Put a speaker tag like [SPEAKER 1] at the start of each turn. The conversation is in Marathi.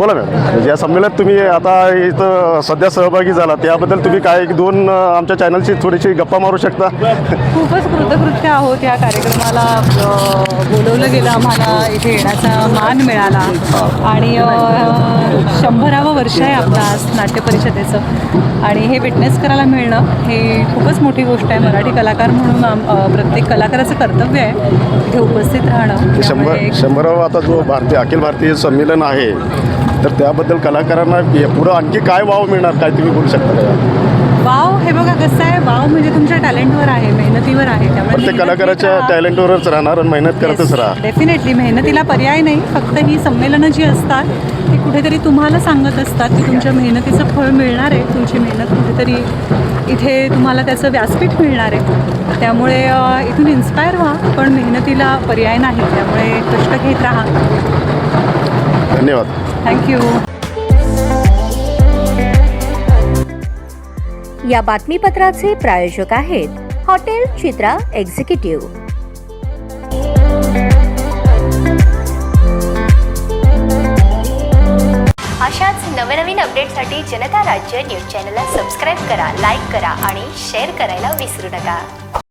[SPEAKER 1] बोला मॅम, या संमेलनात तुम्ही आता इथं सध्या सहभागी झाला त्याबद्दल तुम्ही काय एक दोन आमच्या चॅनलशी थोडीशी गप्पा मारू शकता?
[SPEAKER 2] खूपच कृतकृत्य आहोत. या कार्यक्रमाला बोलवलं गेलं, आम्हाला इथे येण्याचा मान मिळाला आणि 100वे वर्ष आहे आपलं आज नाट्य परिषदेचं आणि हे विटनेस करायला मिळणं हे खूपच मोठी गोष्ट आहे. मराठी कलाकार म्हणून प्रत्येक कलाकाराचं कर्तव्य आहे इथे उपस्थित राहणं.
[SPEAKER 1] 100वा आता जो अखिल भारतीय संमेलन आहे तर त्याबद्दल कलाकारांना पुढं आणखी काय वाव मिळणार, काय तुम्ही बोलू शकता का?
[SPEAKER 2] वाव हे बघा कसं आहे, वाव म्हणजे तुमच्या टॅलेंटवर आहे, मेहनतीवर आहे. त्यामुळे
[SPEAKER 1] प्रत्येक कलाकाराच्या टॅलेंटवरच राहणार आणि मेहनत करतच राहा.
[SPEAKER 2] डेफिनेटली मेहनतीला पर्याय नाही. फक्त ही संमेलनं जी असतात ती कुठेतरी तुम्हाला सांगत असतात की तुमच्या मेहनतीचं फळ मिळणार आहे, तुमची मेहनत कुठेतरी इथे तुम्हाला त्याचं व्यासपीठ मिळणार आहे. त्यामुळे इथून इन्स्पायर व्हा, पण मेहनतीला पर्याय नाही. त्यामुळे कष्ट घेत राहा.
[SPEAKER 1] धन्यवाद.
[SPEAKER 2] थँक्यू.
[SPEAKER 3] या बातमीपत्राचे प्रायोजक आहेत हॉटेल चित्रा एक्झिक्युटिव्ह. अशाच नवनवीन अपडेटसाठी जनता राज्य न्यूज चॅनलला सबस्क्राईब करा, लाईक करा आणि शेअर करायला विसरू नका.